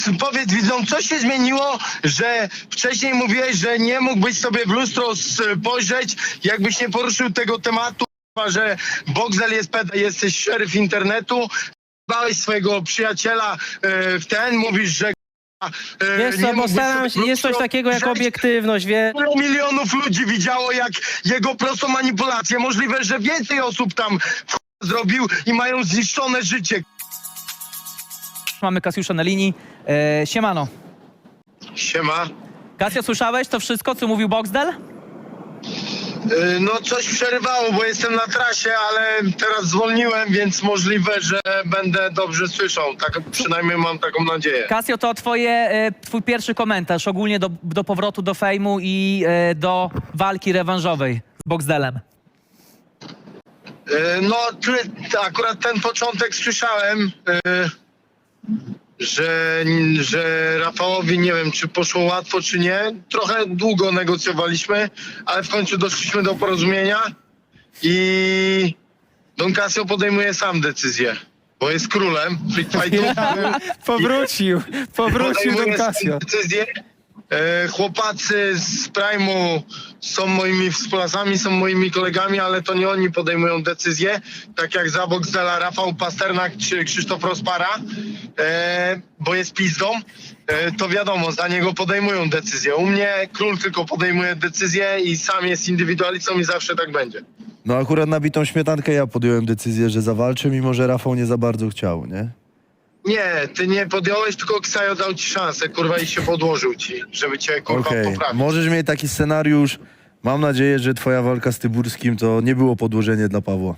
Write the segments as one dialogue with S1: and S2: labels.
S1: Powiedz widzom, co się zmieniło, że wcześniej mówiłeś, że nie mógłbyś sobie w lustro spojrzeć, jakbyś nie poruszył tego tematu, że Boxel jest peda, jesteś szeryf internetu, dałeś swojego przyjaciela w ten, mówisz, że
S2: Wiesz co, bo staram się, jest coś takiego jak obiektywność, wie.
S1: Milionów ludzi widziało, jak jego prostą manipulację. Możliwe, że więcej osób tam zrobił i mają zniszczone życie.
S2: Mamy Kasiusza na linii. Siemano.
S1: Siema.
S2: Kasio, słyszałeś to wszystko, co mówił Boxdel?
S1: No coś przerywało, bo jestem na trasie, ale teraz zwolniłem, więc możliwe, że będę dobrze słyszał. Tak przynajmniej mam taką nadzieję.
S2: Kasio, to twój pierwszy komentarz ogólnie do powrotu do fejmu i do walki rewanżowej z Boxdelem.
S1: No akurat ten początek słyszałem, że Rafałowi, nie wiem, czy poszło łatwo, czy nie. Trochę długo negocjowaliśmy, ale w końcu doszliśmy do porozumienia i Don Casio podejmuje sam decyzję, bo jest królem Freak Fightów.
S3: Powrócił Don Casio.
S1: Decyzję. Chłopacy z Prime'u są moimi współpracami, są moimi kolegami, ale to nie oni podejmują decyzje, tak jak za Boxdela Rafał Pasternak czy Krzysztof Rozpara, bo jest pizdą, to wiadomo, za niego podejmują decyzje. U mnie król tylko podejmuje decyzje i sam jest indywidualistą i zawsze tak będzie.
S4: No akurat na bitą śmietankę ja podjąłem decyzję, że zawalczę, mimo że Rafał nie za bardzo chciał, nie?
S1: Nie, ty nie podjąłeś, tylko Ksajo dał ci szansę, kurwa, i się podłożył ci, żeby cię, kurwa,
S4: Okej,
S1: poprawić.
S4: możesz mieć taki scenariusz. Mam nadzieję, że twoja walka z Tyburskim to nie było podłożenie dla Pawła.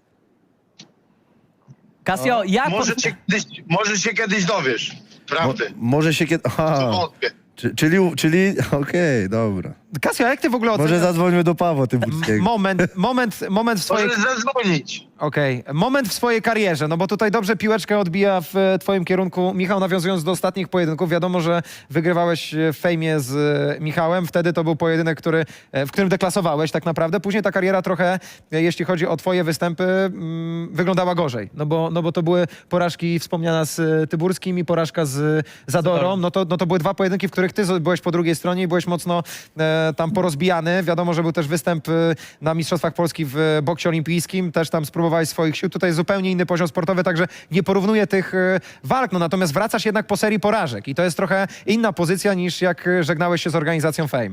S2: Kasio, jak...
S1: Może się kiedyś dowiesz, prawdy.
S4: Może się kiedy... Aha,
S1: Wątpię.
S4: czyli okej, dobra.
S3: Kasio, a jak ty w ogóle
S4: Może
S3: oceniasz
S4: zadzwońmy do Pawła Tyburskiego.
S3: moment w swojej...
S1: Możesz zadzwonić.
S3: Okej. Moment w swojej karierze, no bo tutaj dobrze piłeczkę odbija w twoim kierunku. Michał, nawiązując do ostatnich pojedynków, wiadomo, że wygrywałeś w fejmie z Michałem. Wtedy to był pojedynek, w którym deklasowałeś tak naprawdę. Później ta kariera trochę, jeśli chodzi o twoje występy, wyglądała gorzej. No bo to były porażki wspomniana z Tyburskim i porażka z Zadorą. No to były dwa pojedynki, w których ty byłeś po drugiej stronie i byłeś mocno tam porozbijany. Wiadomo, że był też występ na Mistrzostwach Polski w boksie olimpijskim. Też tam spróbowałeś swoich sił. Tutaj zupełnie inny poziom sportowy, także nie porównuję tych walk. No, natomiast wracasz jednak po serii porażek i to jest trochę inna pozycja niż jak żegnałeś się z organizacją Fame.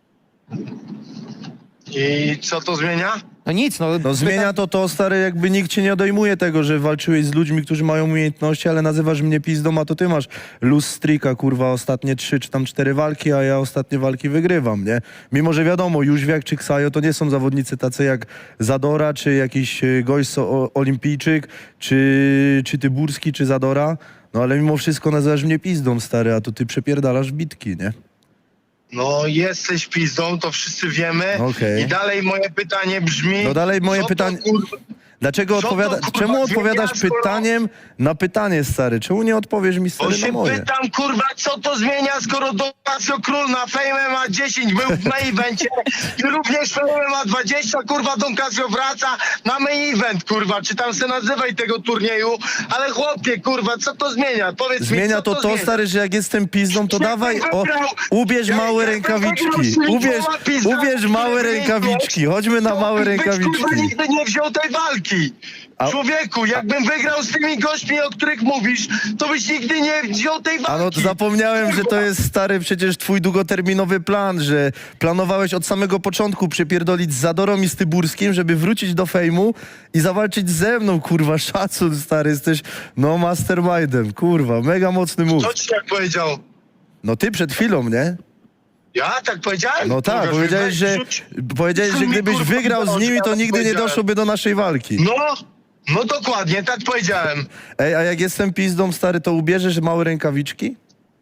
S1: I co to zmienia?
S3: No nic, no.
S4: No zmienia to, stary, jakby nikt ci nie odejmuje tego, że walczyłeś z ludźmi, którzy mają umiejętności, ale nazywasz mnie pizdą, a to ty masz luz streaka, kurwa, ostatnie 3 czy tam 4 walki, a ja ostatnie walki wygrywam, nie? Mimo, że wiadomo, Jóźwiak czy Ksajo to nie są zawodnicy tacy jak Zadora, czy jakiś gość olimpijczyk, czy Tyburski, czy Zadora, no ale mimo wszystko nazywasz mnie pizdą, stary, a to ty przepierdalasz bitki, nie?
S1: No jesteś pizdą, to wszyscy wiemy.
S4: Okej.
S1: I dalej moje pytanie brzmi...
S4: No dalej moje
S1: co to,
S4: pytanie...
S1: kurwa,
S4: Dlaczego
S1: Co to, kurwa,
S4: czemu odpowiadasz
S1: zmienia, skoro-
S4: pytaniem na pytanie, stary? Czemu nie odpowiesz mi,
S1: Bo
S4: stary, na
S1: się
S4: moje?
S1: pytam, kurwa, co to zmienia, skoro Don Casio Król na Fame ma 10 był w main evencie i również Fame ma 20, kurwa, Don Casio wraca na main event, kurwa, czy tam se nazywaj tego turnieju, ale chłopie, kurwa, co to zmienia? Powiedz mi,
S4: Zmienia
S1: co
S4: to,
S1: zmienia?
S4: stary, że jak jestem pizdą, to
S1: Jakbym
S4: dawaj,
S1: wygrał-
S4: ubierz małe
S1: jakbym
S4: rękawiczki.
S1: wygrał
S4: Ubierz małe
S1: który
S4: rękawiczki. Chodźmy na
S1: to
S4: małe
S1: byś,
S4: rękawiczki.
S1: kurwa, nigdy nie wziął tej walki. Człowieku, jakbym wygrał z tymi gośćmi, o których mówisz, to byś nigdy nie wziął tej walki.
S4: A no to zapomniałem, że to jest, stary, przecież twój długoterminowy plan, że planowałeś od samego początku przypierdolić z Zadorą i z Tyburskim, żeby wrócić do fejmu i zawalczyć ze mną, kurwa, szacun, stary, jesteś, no, mastermindem, kurwa, mega mocny move.
S1: Co ci tak powiedział?
S4: No ty przed chwilą, nie?
S1: Ja tak powiedziałem?
S4: No tak,
S1: Pokaż mi,
S4: powiedziałeś,
S1: weź,
S4: że,
S1: rzuć.
S4: że gdybyś
S1: kurwa,
S4: wygrał z nimi, to
S1: ja
S4: nigdy nie
S1: powiedziałem.
S4: doszłoby do naszej walki.
S1: No dokładnie, tak powiedziałem.
S4: Ej, a jak jestem pizdą, stary, to ubierzesz małe rękawiczki?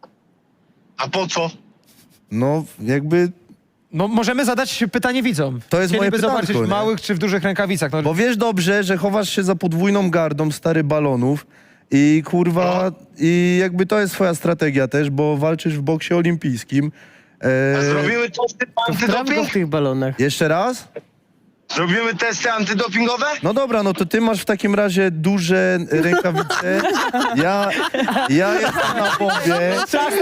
S1: A po co?
S4: No, jakby...
S3: No możemy zadać pytanie widzom.
S4: To jest moje
S3: Chcieliby
S4: pytanko,
S3: zobaczyć
S4: nie?
S3: w małych czy w dużych rękawicach. No,
S4: Bo wiesz dobrze, że chowasz się za podwójną gardą, stary, balonów i kurwa... I jakby to jest twoja strategia też, bo walczysz w boksie olimpijskim.
S1: A zrobiły to
S5: Sprawdź go w tych balonach.
S4: Jeszcze raz?
S1: Zrobimy testy antydopingowe?
S4: No dobra, no to ty masz w takim razie duże rękawice. Ja jestem na bombie,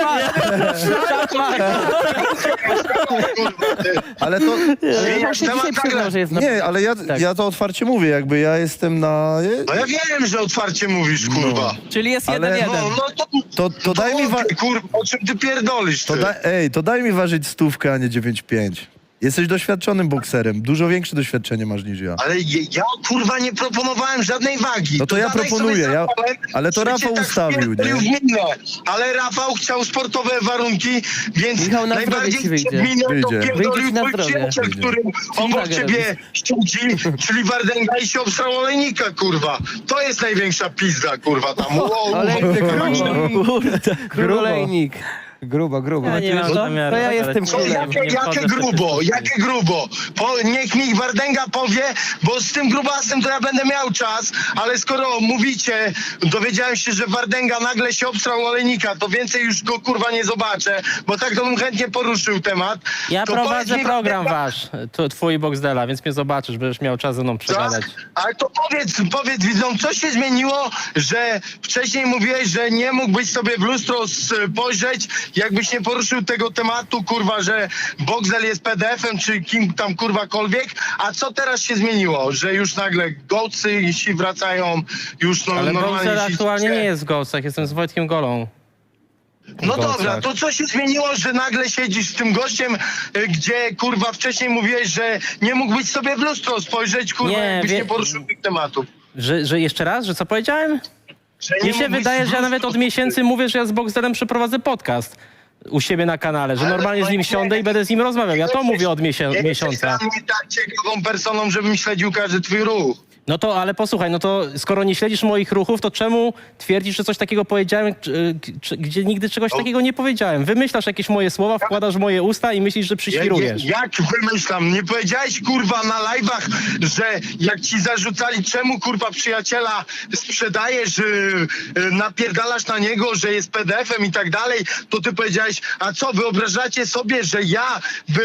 S1: Kurwa, ty.
S4: ale to...
S1: Zmieniasz temat nagle.
S4: Nie, ale ja to otwarcie mówię, jakby ja jestem na...
S1: No ja wiem, że otwarcie mówisz, kurwa.
S2: Czyli jest
S4: Ale-
S2: 1-1.
S4: To daj mi...
S1: Kurwa, o czym ty pierdolisz, ty?
S4: To daj mi ważyć 100, a nie 9,5. Jesteś doświadczonym bokserem. Dużo większe doświadczenie masz niż ja.
S1: Ale ja kurwa nie proponowałem żadnej wagi.
S4: No to ja
S1: dawaj
S4: proponuję,
S1: sobie zapałem,
S4: ale to
S1: że
S4: Rafał
S1: cię tak
S4: ustawił,
S1: wpierdolił
S4: nie?
S1: w minę. Ale Rafał chciał sportowe warunki, więc
S5: Michał, na
S1: najbardziej
S5: zdrowie ci
S1: przed
S5: wyjdzie.
S1: minę to
S4: Wyjdzie.
S1: pierdolił
S5: Wyjdzie ci na
S1: twój
S5: zdrowie.
S1: przyjaciel,
S4: Wyjdzie.
S1: który obok
S5: Waga
S1: ciebie siedzi, czyli Wardęga i się obsrał olejnika, kurwa. To jest największa pizda, kurwa, tam.
S5: Król olejnik.
S3: Grubo.
S5: Ja nie mam zamiaru. To ja jestem
S1: Co,
S5: królem.
S1: jakie grubo? Niech mi Wardęga powie, bo z tym grubasem to ja będę miał czas, ale skoro mówicie, dowiedziałem się, że Wardęga nagle się obstrał olejnika, to więcej już go kurwa nie zobaczę, bo tak to bym chętnie poruszył temat.
S5: Ja
S1: To
S5: prowadzę
S1: powiedz mi,
S5: program
S1: Wardęga,
S5: wasz, twój Boxdela, więc mnie zobaczysz, będziesz miał czas ze mną przegadać.
S1: ale to powiedz widzom, co się zmieniło, że wcześniej mówiłeś, że nie mógłbyś sobie w lustro spojrzeć, jakbyś nie poruszył tego tematu, kurwa, że Boxdel jest PDF-em, czy kim tam kurwakolwiek, a co teraz się zmieniło, że już nagle gołcy si wracają, już
S5: Ale
S1: normalnie
S5: Boxdel
S1: si-
S5: aktualnie nie jest w Ghostach, jestem z Wojtkiem Golą.
S1: No
S5: Gołcach.
S1: dobra, to co się zmieniło, że nagle siedzisz z tym gościem, gdzie kurwa wcześniej mówiłeś, że nie mógłbyś sobie w lustro spojrzeć, kurwa,
S5: Nie,
S1: jakbyś nie poruszył tych tematów.
S5: Że jeszcze raz, że co powiedziałem?
S1: Że nie
S5: Mi się
S1: mógłbyś
S5: wydaje,
S1: w
S5: że ja nawet
S1: lustro
S5: od miesięcy mówię, że ja z Boxdelem przeprowadzę podcast u siebie na kanale, że
S1: Ale
S5: normalnie z nim
S1: nie-
S5: siądę i będę z nim rozmawiał. Ja to
S1: Jesteś-
S5: mówię od
S1: Nie jesteś
S5: miesiąca.
S1: dla mnie tak ciekawą personą, żebym śledził każdy twój ruch.
S5: No to, ale posłuchaj, no to skoro nie śledzisz moich ruchów, to czemu twierdzisz, że coś takiego powiedziałem, gdzie nigdy czegoś takiego nie powiedziałem? Wymyślasz jakieś moje słowa, wkładasz w moje usta i myślisz, że przyświrujesz.
S1: Jak wymyślam? Nie powiedziałeś kurwa na live'ach, że jak ci zarzucali, czemu kurwa przyjaciela sprzedajesz, napierdalasz na niego, że jest PDF-em i tak dalej, to ty powiedziałeś, a co, wyobrażacie sobie, że ja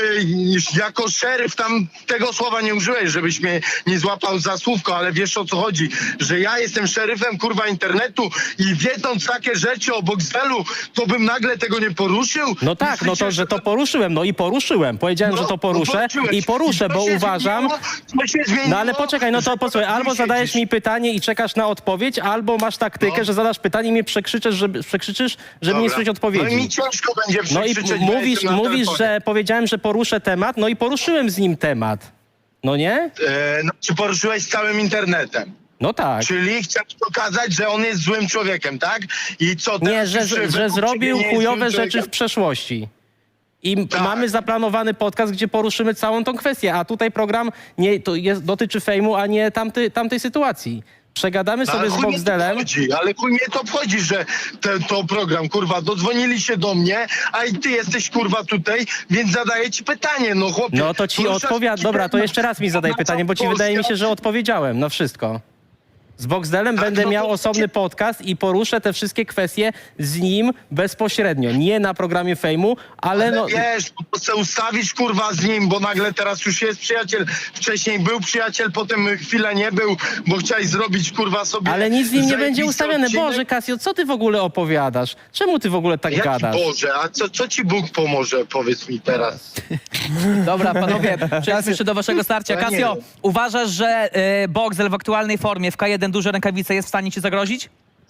S1: jako szeryf, tam tego słowa nie użyłeś, żebyś mnie nie złapał za słówko, ale wiesz o co chodzi, że ja jestem szeryfem kurwa internetu i wiedząc takie rzeczy o Boxdelu, to bym nagle tego nie poruszył?
S5: No tak, no to, że to poruszyłem, no i poruszyłem. Powiedziałem, że to poruszę i poruszę, bo uważam... No ale poczekaj, no to posłuchaj, albo zadajesz mi pytanie i czekasz na odpowiedź, albo masz taktykę, że zadasz pytanie i mnie przekrzyczysz, żeby nie słyszeć
S1: No i
S5: odpowiedzi.
S1: mi ciężko będzie
S5: No i
S1: przekrzyczeć, bo
S5: mówisz,
S1: jestem na telefonie.
S5: że powiedziałem, że poruszę temat, no i poruszyłem z nim temat. No nie?
S1: No, czy poruszyłeś z całym internetem?
S5: No tak.
S1: Czyli chciałeś pokazać, że on jest złym człowiekiem, tak? I co
S5: Nie,
S1: teraz
S5: że
S1: już według ciebie
S5: zrobił
S1: nie jest
S5: chujowe
S1: złym
S5: rzeczy w
S1: człowiekiem?
S5: przeszłości. I
S1: Tak.
S5: mamy zaplanowany podcast, gdzie poruszymy całą tą kwestię, a tutaj program dotyczy fejmu, a nie tamtej sytuacji. Przegadamy
S1: No,
S5: sobie
S1: ale
S5: z
S1: chuj mnie to
S5: Boxdelem.
S1: obchodzi, ale chuj mnie to obchodzi, że to program, kurwa, dodzwonili się do mnie, a i ty jesteś, kurwa, tutaj, więc zadaję ci pytanie, no chłopie.
S5: No to ci
S1: poruszasz
S5: odpowiadam.
S1: taki
S5: Dobra, to
S1: temat,
S5: jeszcze raz mi zadaj
S1: oznacza
S5: pytanie, bo ci
S1: Polskę.
S5: wydaje mi się, że odpowiedziałem na wszystko. Z Boxdelem będę
S1: no to-
S5: miał osobny podcast i poruszę te wszystkie kwestie z nim bezpośrednio. Nie na programie fejmu, ale no...
S1: Wiesz, to chcę ustawić, kurwa, z nim, bo nagle teraz już jest przyjaciel. Wcześniej był przyjaciel, potem chwilę nie był, bo chciałeś zrobić, kurwa, sobie...
S5: Ale nic z nim nie będzie
S1: zajebisty
S5: ustawione.
S1: odcinek.
S5: Boże, Kasio, co ty w ogóle opowiadasz? Czemu ty w ogóle tak
S1: Jaki
S5: gadasz?
S1: Boże, a co ci Bóg pomoże, powiedz mi teraz.
S2: Dobra, panowie, przejdźmy jeszcze do waszego starcia.
S1: Ja nie
S2: Kasio,
S1: wiem.
S2: uważasz, że Boxdel w aktualnej formie w K1 duże rękawice jest w stanie ci zagrozić?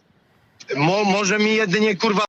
S1: Może mi jedynie, kurwa,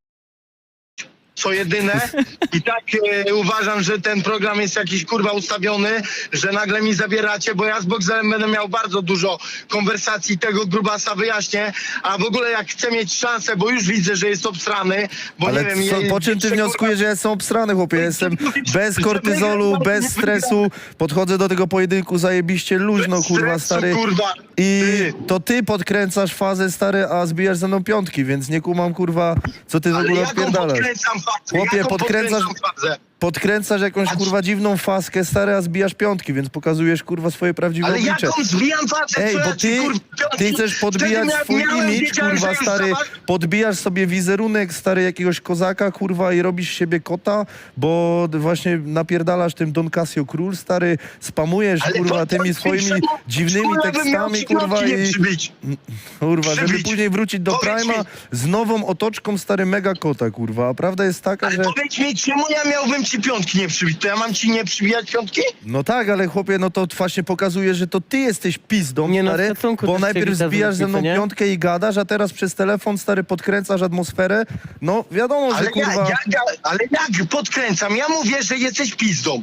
S1: co jedyne. I tak uważam, że ten program jest jakiś, kurwa, ustawiony, że nagle mi zabieracie, bo ja z Boxdelem będę miał bardzo dużo konwersacji, tego grubasa wyjaśnię, a w ogóle jak chcę mieć szansę, bo już widzę, że jest obsrany, bo
S4: Ale
S1: nie wiem...
S4: po czym ty
S1: kurwa,
S4: wnioskujesz, że ja jestem obsrany, chłopie? Ja jestem bez kortyzolu, bez stresu, podchodzę do tego pojedynku zajebiście luźno, kurwa,
S1: stresu,
S4: stary.
S1: kurwa.
S4: I
S1: Ty.
S4: to ty podkręcasz fazę, stary, a zbijasz ze mną piątki, więc nie kumam, kurwa, co ty w
S1: Ale
S4: ogóle
S1: jaką
S4: odpierdalasz.
S1: podkręcam fazę?
S4: Chłopie,
S1: Jaką
S4: podkręcasz-
S1: podkręcam fazę?
S4: podkręcasz jakąś kurwa dziwną faskę, stary, a zbijasz piątki, więc pokazujesz kurwa swoje prawdziwe
S1: Ale
S4: oblicze.
S1: jaką zbijam facet?
S4: Ej,
S1: co
S4: bo
S1: ja ci, kurwa,
S4: ty chcesz podbijać
S1: wtedy
S4: swój
S1: miałem,
S4: imidż,
S1: wiedziałem,
S4: kurwa,
S1: że już
S4: stary,
S1: zobacz-
S4: podbijasz sobie wizerunek, stary, jakiegoś kozaka, kurwa, i robisz z siebie kota, bo właśnie napierdalasz tym Don Casio Król, stary, spamujesz,
S1: Ale
S4: kurwa,
S1: po co
S4: tymi
S1: ci
S4: swoimi
S1: czemu-
S4: dziwnymi
S1: czemu ja bym miał
S4: tekstami,
S1: ci
S4: kurwa,
S1: piątki nie
S4: i...
S1: przybić?
S4: Kurwa, żeby
S1: Przybić.
S4: później wrócić do
S1: Powiedz
S4: Prima
S1: mi.
S4: z nową otoczką, stary, mega kota, kurwa, a prawda jest taka,
S1: Ale
S4: że...
S1: powiedz mi, czemu ja miałbym ci piątki nie przybić? To ja mam ci nie przybijać piątki?
S4: No tak, ale chłopie, no to właśnie pokazuje, że to ty jesteś pizdą,
S5: Nie no,
S4: stary,
S5: szacunku
S4: bo
S5: też
S4: najpierw
S5: cię widać
S4: zbijasz
S5: z
S4: ze mną
S5: różnicy, nie?
S4: piątkę i gadasz, a teraz przez telefon, stary, podkręcasz atmosferę. No wiadomo, że
S1: Ale
S4: kurwa...
S1: ale jak podkręcam? Ja mówię, że jesteś pizdą.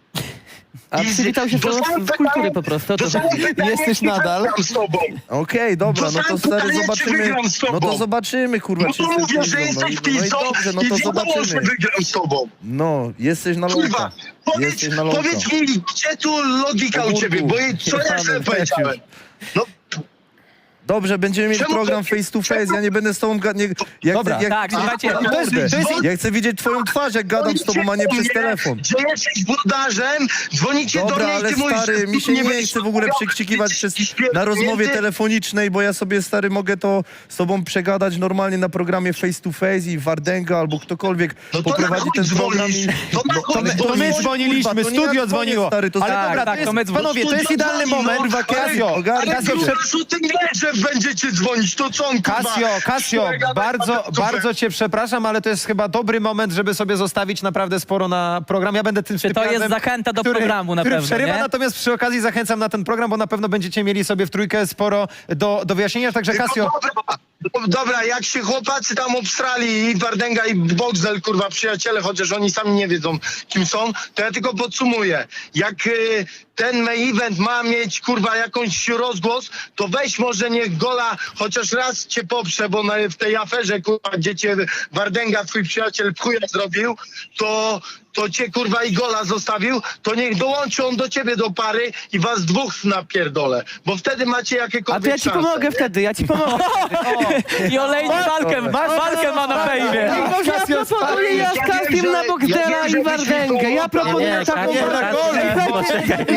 S5: A przywitał się z kultury po prostu. o to chodzi.
S3: Jesteś nadal?
S1: Z tobą.
S4: Okej, dobra, no to
S1: Dostałem
S4: stary,
S1: pytanie, czy
S4: zobaczymy.
S1: wygram z tobą?
S4: No to zobaczymy, kurwa,
S1: No
S4: czy
S1: to
S4: jesteś
S1: mówię, że
S4: pizdą.
S1: jesteś
S4: No i
S1: pizdą
S4: dobrze, no
S1: i
S4: to
S1: wiadomo, że
S4: zobaczymy.
S1: wygram z tobą.
S4: No, jesteś na
S1: Kurwa,
S4: ląka. Jesteś na ląka.
S1: powiedz mi, gdzie tu logika u
S4: Ogórku.
S1: ciebie? Bo co ja
S4: Jebany
S1: sobie
S4: weź
S1: powiedziałem? No,
S4: Dobrze, będziemy mieli
S1: Czemu-
S4: program face to face, ja nie będę z tobą gadać.
S3: Dobra,
S2: tak, słuchajcie,
S3: to jest-
S4: Ja chcę widzieć twoją twarz, jak gadam z tobą, a nie przez telefon.
S1: Że jesteś brudarzem, dzwonicie do
S4: Dobra,
S1: mnie i
S4: ale
S1: ty mówisz,
S4: stary,
S1: że
S4: mi się nie
S1: będziesz
S4: chce w ogóle
S1: robił,
S4: przekrzykiwać
S1: ty
S4: przez,
S1: jesteś
S4: na rozmowie
S1: pierdolnięty.
S4: telefonicznej, bo ja sobie, stary, mogę to z tobą przegadać normalnie na programie face to face i Wardenga albo ktokolwiek
S1: No to
S4: poprowadzi
S1: na chuj
S4: ten program
S1: dzwonisz?
S4: i...
S1: To na chuj
S3: To my
S1: dzwonisz?
S3: dzwoniliśmy,
S4: Kurwa, to nie ja
S3: studio
S4: dzwonię,
S3: dzwoniło.
S4: stary, to
S3: Ale
S4: tak,
S3: dobra,
S2: tak,
S3: to
S2: to my
S3: jest, panowie, to jest
S1: Studio
S3: idealny
S1: dzwoni,
S3: moment.
S1: no,
S3: Kasio,
S1: ale
S3: Kasio,
S1: o tym wie, że będziecie dzwonić, to co on, kurwa?
S3: Kasio, bardzo cię przepraszam, ale to jest chyba dobry moment, żeby sobie zostawić naprawdę sporo na program. Ja będę tym
S2: Czy to jest
S3: typem,
S2: zachęta do programu na
S3: który
S2: pewno,
S3: przerywa,
S2: nie?
S3: natomiast przy okazji zachęcam na ten program, bo na pewno będziecie mieli sobie w trójkę sporo do wyjaśnienia, także Kasio...
S1: Dobra, jak się chłopacy tam obstrali i Wardenga i Boxdel, kurwa, przyjaciele, chociaż oni sami nie wiedzą, kim są, to ja tylko podsumuję. Jak ten main event ma mieć, kurwa, jakąś rozgłos, to weź może niech Gola chociaż raz cię poprze, bo w tej aferze, kurwa, gdzie cię Wardenga, twój przyjaciel, w chuja zrobił, to cię, kurwa, i Gola zostawił, to niech dołączy on do ciebie do pary i was dwóch napierdolę, bo wtedy macie jakiekolwiek
S5: A to ja ci
S1: szanse,
S5: pomogę
S1: nie?
S5: wtedy, ja ci pomogę.
S2: I olejnik walkę ma na fejmie.
S5: Może ja proponuję ja z Kasiem na Boxdela i Wardęgę. Ja proponuję
S2: Nie,
S5: taką...
S2: poczekaj.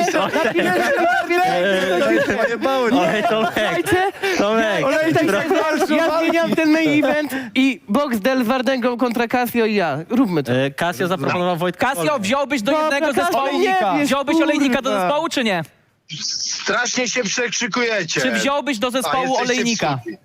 S5: Słuchajcie, ja zmieniam ten main event i Boxdel z Wardęgą kontra Casio i ja. Róbmy to. Casio zaproponował Wojtka.
S2: Kasio, wziąłbyś do
S5: Dobra,
S2: jednego
S5: Kasio,
S2: zespołu?
S5: nie wiesz,
S2: Wziąłbyś olejnika do
S5: kurwa.
S2: zespołu, czy nie?
S1: Strasznie się przekrzykujecie.
S2: Czy wziąłbyś do
S1: A,
S2: zespołu
S1: jesteście
S2: olejnika?
S1: psuli.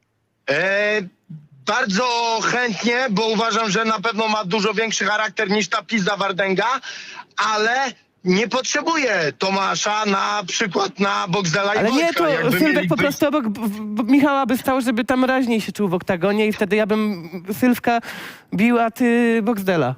S1: Bardzo chętnie, bo uważam, że na pewno ma dużo większy charakter niż ta pizda Wardęga, ale nie potrzebuję Tomasza na przykład na Boxdela i
S5: Ale nie,
S1: Wojtka,
S5: to
S1: jakby
S5: Sylwek
S1: mieli
S5: po
S1: być.
S5: prostu obok Michała by stał, żeby tam raźniej się czuł w oktagonie i wtedy ja bym Sylwka bił, a ty Boxdela.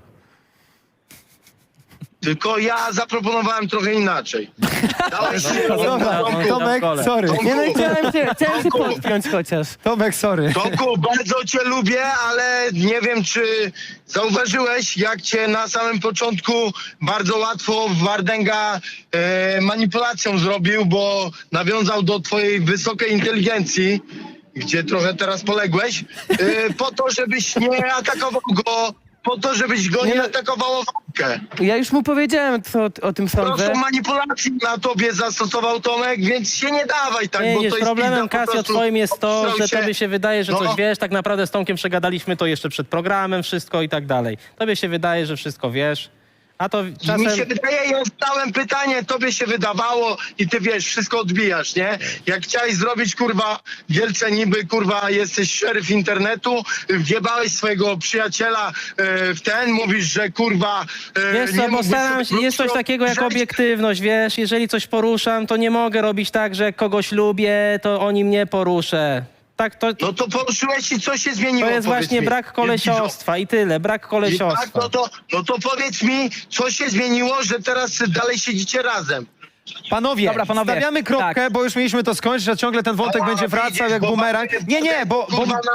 S1: Tylko ja zaproponowałem trochę inaczej. Dałeś
S3: Dobra, Tomek, sorry.
S5: Nie no i chciałem się podpiąć chociaż.
S3: Tomek, sorry.
S1: Tomku, bardzo cię lubię, ale nie wiem, czy zauważyłeś, jak cię na samym początku bardzo łatwo Wardęga manipulacją zrobił, bo nawiązał do twojej wysokiej inteligencji, gdzie trochę teraz poległeś, po to, żebyś nie atakował go, po to, żebyś go nie atakował o walkę.
S5: Ja już mu powiedziałem, co o tym sądzę.
S1: Proszę manipulacji na tobie zastosował Tomek, więc się nie dawaj tak,
S5: Nie,
S1: bo
S5: nie,
S1: to jest
S5: problemem
S1: pizda po
S5: Kasio
S1: prostu.
S5: twoim jest to,
S1: Obstrał
S5: że
S1: się.
S5: tobie się wydaje, że
S1: No.
S5: coś wiesz, tak naprawdę z Tomkiem przegadaliśmy to jeszcze przed programem, wszystko i tak dalej. Tobie się wydaje, że wszystko wiesz, a to
S1: Mi
S5: czasem...
S1: się wydaje, ja zadałem pytanie, tobie się wydawało i ty wiesz, wszystko odbijasz, nie? Jak chciałeś zrobić, kurwa, wielce niby, kurwa, jesteś szeryf internetu, wjebałeś swojego przyjaciela w ten, mówisz, że kurwa...
S5: Wiesz co, bo
S1: mógłbyś
S5: staram się,
S1: sobie
S5: jest coś takiego jak
S1: wziąć.
S5: obiektywność, wiesz, jeżeli coś poruszam, to nie mogę robić tak, że jak kogoś lubię, to o nim nie poruszę. Tak, to
S1: No to poruszyłeś i co się zmieniło?
S5: to jest
S1: powiedz
S5: właśnie
S1: mi?
S5: brak kolesiostwa i tyle, brak
S1: I tak,
S5: kolesiostwa.
S1: no to powiedz mi, co się zmieniło, że teraz dalej siedzicie razem?
S3: Panowie,
S2: Dobra, panowie,
S3: stawiamy kropkę,
S2: tak.
S3: bo już mieliśmy to skończyć, a ciągle ten wątek będzie wracał
S1: widzisz,
S3: jak
S1: bo
S3: bumerang.
S1: mamy-
S3: Nie, bo
S1: kurwa,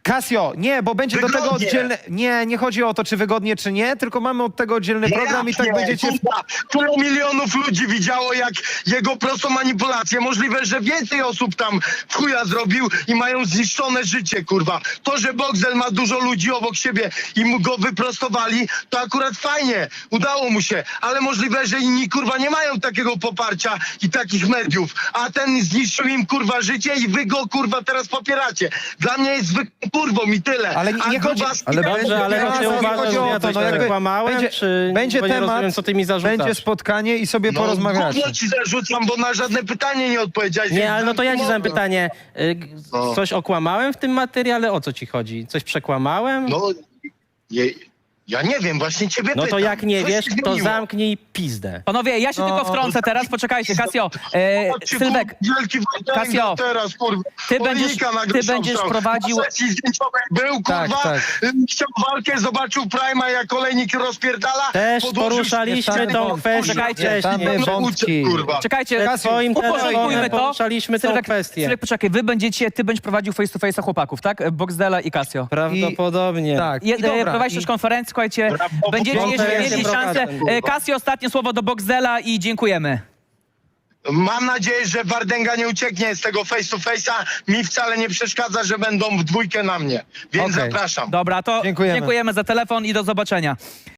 S3: Casio, nie, bo będzie do tego
S1: Wygodnie.
S3: oddzielny... Nie chodzi o to, czy wygodnie, czy nie, tylko mamy od tego oddzielny program i tak
S1: Jasnie,
S3: będziecie...
S1: kurwa, tyle milionów ludzi widziało, jak jego prostą manipulację. Możliwe, że więcej osób tam w chuja zrobił i mają zniszczone życie, kurwa. To, że Boxdel ma dużo ludzi obok siebie i mu go wyprostowali, to akurat fajnie, udało mu się. Ale możliwe, że inni, kurwa, nie mają takiego poparcia i takich mediów. A ten zniszczył im, kurwa, życie i wy go, kurwa, teraz popieracie. Dla mnie jest zwykłą kurwą i tyle.
S3: Ale nie
S1: A do
S3: chodzi-
S1: was-
S4: ale
S5: Dobrze, ale
S3: Nie
S5: czy
S3: chodzi
S5: uważasz,
S3: o
S5: że ja
S3: to,
S5: coś
S3: no
S5: tak
S3: jakby
S5: kłamałem, czy
S3: będzie
S5: bo nie
S3: temat,
S5: rozumiem, co ty mi zarzucasz?
S3: będzie spotkanie i sobie porozmawiacie.
S1: Gówno ci zarzucam, bo na żadne pytanie nie odpowiedziałeś.
S5: Nie,
S1: więc
S5: ale no to ja ci zadam
S1: zamknij
S5: pytanie.
S1: No.
S5: Coś okłamałem w tym materiale? O co ci chodzi? Coś przekłamałem?
S1: No, ja nie wiem, właśnie ciebie
S5: No to
S1: pytam.
S5: jak nie
S1: Co
S5: wiesz,
S1: się
S5: to
S1: zmieniło?
S5: zamknij pizdę.
S2: Panowie, ja się
S3: No.
S2: tylko wtrącę teraz, poczekajcie, Casio.
S1: Chodźcie,
S2: Sylwek,
S1: kurwa, wielki Wojtek
S2: Casio,
S1: teraz, kurwa.
S2: ty
S1: Olinika na
S2: ty
S1: grubszą
S2: będziesz
S1: stronę.
S2: prowadził-
S1: Na sesji zdjęciowej był,
S3: Tak,
S1: kurwa,
S3: tak.
S1: chciał walkę, zobaczył Prima, jak olejnik rozpierdala.
S5: Też
S1: podłożył
S5: poruszaliśmy
S1: się-
S5: tą
S3: wątki.
S5: kwestię
S2: Poczekajcie,
S5: wcześniej.
S3: Tam
S1: No,
S3: wątki.
S1: kurwa.
S2: czekajcie,
S5: Przed twoim
S2: uporządkujmy
S5: telefonem
S2: to.
S5: poruszaliśmy tą
S2: Sylwek,
S5: kwestię.
S2: Sylwek, poczekaj, ty będziesz prowadził face to face'a chłopaków, tak? Boxdela i Casio.
S5: Prawdopodobnie.
S3: Tak,
S2: Je,
S3: i dobra,
S2: prowadzisz też konferencję, słuchajcie, będziecie jeszcze
S5: konferencję
S2: mieli szansę.
S5: prowadzę.
S2: Casio, ostatnie słowo do Boxdela i dziękujemy.
S1: Mam nadzieję, że Wardęga nie ucieknie z tego face to face'a. Mi wcale nie przeszkadza, że będą w dwójkę na mnie. Więc
S3: Okej.
S1: zapraszam.
S2: Dobra, to
S3: Dziękujemy.
S2: dziękujemy za telefon i do zobaczenia.